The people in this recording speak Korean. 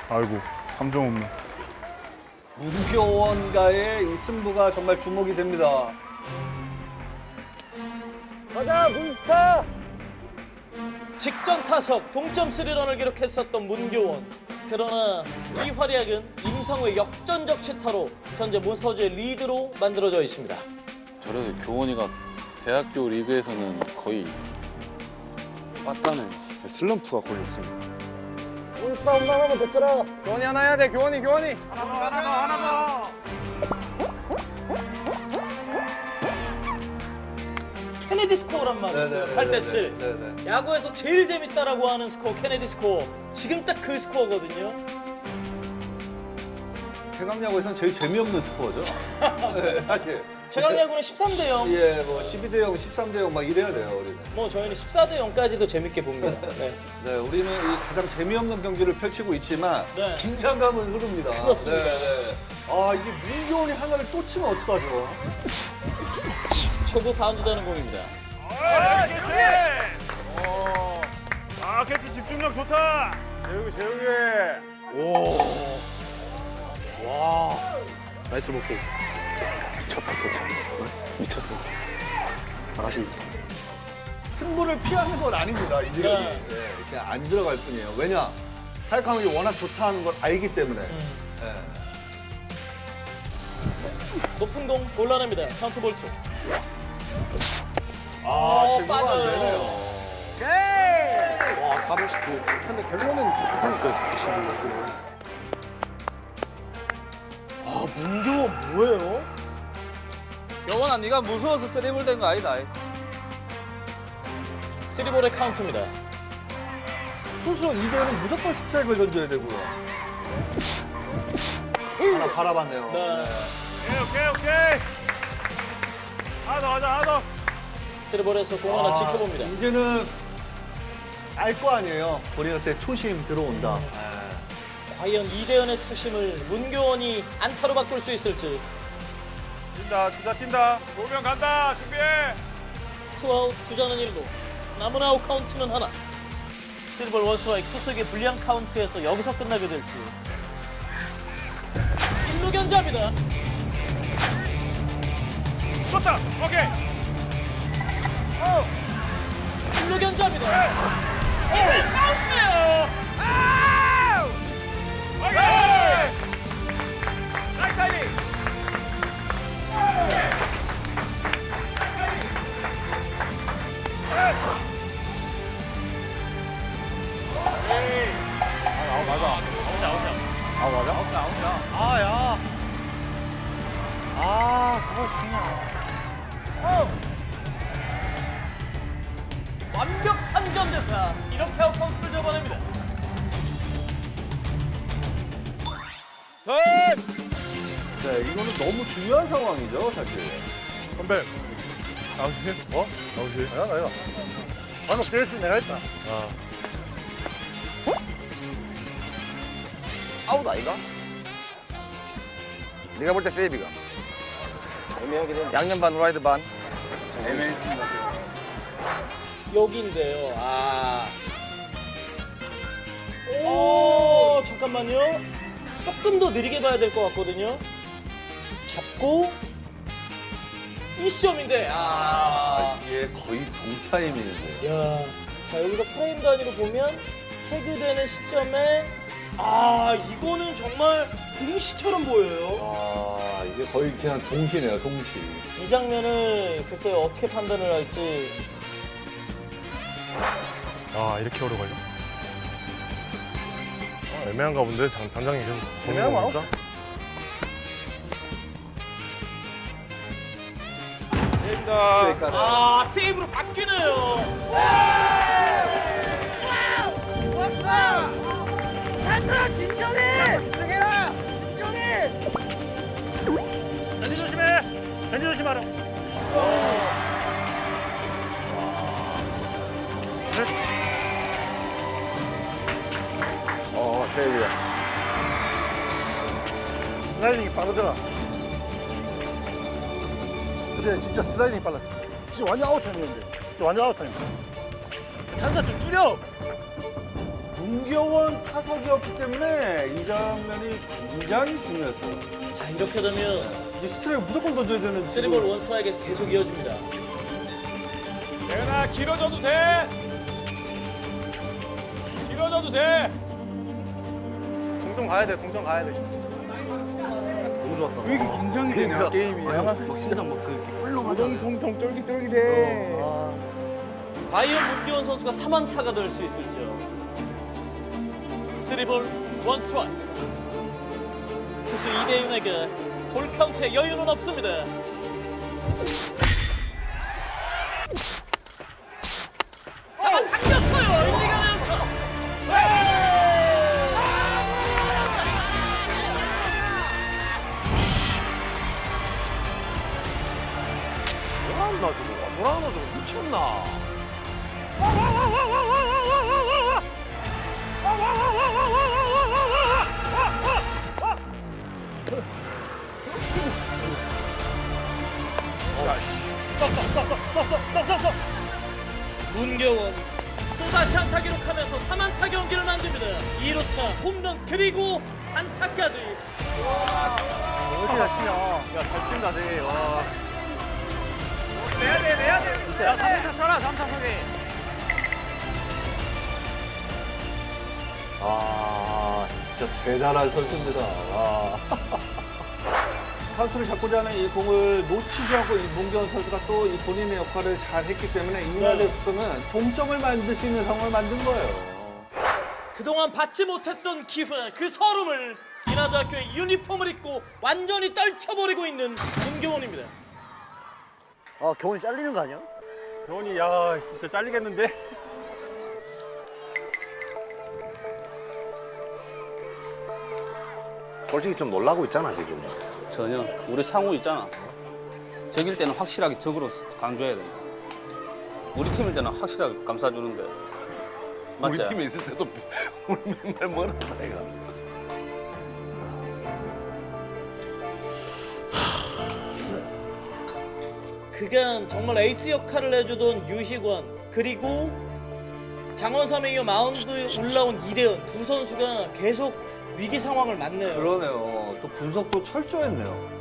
아이고 3점 없네. 문교원과의 이 승부가 정말 주목이 됩니다. 가자 문스타. 직전 타석 동점 3런을 기록했었던 문교원. 그러나 이 활약은 임상우의 역전적 시타로 현재 몬스터즈의 리드로 만들어져 있습니다. 저래도 교원이가 대학교 리그에서는 거의 빠따네. 슬럼프가 거의 없습니다. 문스타 홈런 한번 더 쳐라. 교원이 하나 해야 돼. 교원이. 케네디 스코어란 말이 있어요. 8대 7. 네네. 야구에서 제일 재밌다라고 하는 스코어 케네디 스코어. 지금 딱 그 스코어거든요. 최강야구에서는 제일 재미없는 스코어죠. 네, 사실. 최강야구는 13대 0. 예, 뭐 12대 0, 13대 0 막 이래야 돼요, 우리는. 뭐 저희는 14대 0까지도 재밌게 봅니다. 네. 네, 우리는 이 가장 재미없는 경기를 펼치고 있지만 네. 긴장감은 흐릅니다. 그렇습니다. 아, 이게 문교원이 하나를 또 치면 어떡하죠? 초구 바운드되는 공입니다. 아 캐치 집중력 좋다. 재욱이. 나이스 목표. 미쳤다 캐치. 미쳤어. 잘하신다. 승부를 피하는 건 아닙니다, 이제. 네. 그냥 안 들어갈 뿐이에요. 왜냐? 타이강이 워낙 좋다는 걸 알기 때문에. 네. 높은 공 골라냅니다. 카운트 볼트. 제구가 안 빠져요. 되네요. 와 459. 근데 결론은 문교원 뭐예요? 교원아 네가 무서워서 쓰리볼 된 거 아니다. 3볼의 카운트입니다. 투수 이대는 무조건 스트라이크를 던져야 되고요. 하나 바라봤네요. 네. 오케이. 하나 더. 3볼에서 공 하나 지켜봅니다. 이제는 알 거 아니에요. 우리한테 투심 들어온다. 과연 이대현의 투심을 문교원이 안타로 바꿀 수 있을지. 뛴다. 도명 간다. 준비해. 투아웃 주자는 1루. 남은 아웃 카운트는 하나. 3볼 원스트라이크 투수에게 불리한 카운트에서 여기서 끝나게 될지. 1루 견제합니다. 쳤다. 오케이. 1루 견제합니다. 사우트예요. 오케이. 나이스 타이밍. 완벽한 견제사. 이렇게 아웃 카운트를 잡아냅니다. 네, 이거는 너무 중요한 상황이죠, 사실. 선배. 아웃이야? 아웃이야? 나야. 방금 세레스 내가 했다. 아웃 아이가? 네가 볼 때 세이비가. 애매하긴 해. 양념 반 후라이드 반. 여기인데요. 오, 잠깐만요. 조금 더 느리게 봐야 될 것 같거든요. 잡고 미션인데. 이게 거의 동타임이는데. 야, 자 여기서 프레임 단위로 보면 태그되는 시점에 이거는 정말 동시처럼 보여요. 이게 거의 그냥 동시네요, 동시. 이 장면을 글쎄요 어떻게 판단을 할지. 이렇게 오래 걸려? 애매한가 본데 단장이 계속 보는 거 보니까. 세이브로 바뀌네요. 벤지 조심해! 벤지 조심하라! 세이비야. 슬라이딩이 빠르더라. 근데 진짜 슬라이딩이 빨랐어. 지금 완전 아웃타임이었는데. 완전 아웃타임. 찬사 좀 줄여. 문경원 타석이었기 때문에 이 장면이 굉장히 중요했어요. 자, 이렇게 되면 이 스트라이크 무조건 던져야 되는. 3볼 1스트라이크에서 계속 이어집니다. 대현아 길어져도 돼. 길어져도 돼. 동점 가야 돼. 동점 가야 돼. 너무 좋았다. 왜 이렇게 긴장이 되냐 게임이. 진짜 막 그렇게 뿔로 통통 쫄깃쫄깃해. 과연 문교원 선수가 3안타가 될 수 있을지요. 3볼 1스트라이크. 투수 이대윤에게 볼 카운트에 여유는 없습니다. 잡아당겼어요. 1, 2가 아웃. 저러나 저거. 저러나 저거. 미쳤나. 문교원 또다시 안타 기록하면서 3안타 경기를 만듭니다. 2루타 홈런 그리고 안타까지. 어디 잘 치냐. 야, 잘 친다, 쟤. 와. 내야 돼. 진짜. 야, 3타 쳐라, 3타 소개. 아, 진짜 대단한 선수입니다. 와. 카운트를 잡고자 하는 이 공을 놓치지 않고 이 문경원 선수가 또 이 본인의 역할을 잘 했기 때문에 이날에서는 동점을 만들 수 있는 상황을 만든 거예요. 그동안 받지 못했던 기회, 그 서름을 인하대학교의 유니폼을 입고 완전히 떨쳐버리고 있는 문교원입니다. 아, 경훈이 잘리는 거 아니야? 병원이 야 진짜 잘리겠는데? 솔직히 좀 놀라고 있잖아 지금. 전혀. 우리 상우 있잖아. 적일 때는 확실하게 적으로 강조해야 된다. 우리 팀일 때는 확실하게 감싸주는데. 맞지? 우리 팀에 있을 때도 우리 맨날 멀었다 이가. 그간 정말 에이스 역할을 해주던 유희관 그리고 장원삼에 이어 마운드에 올라온 이대현 두 선수가 계속 위기 상황을 맞네요. 그러네요. 또 분석도 철저했네요.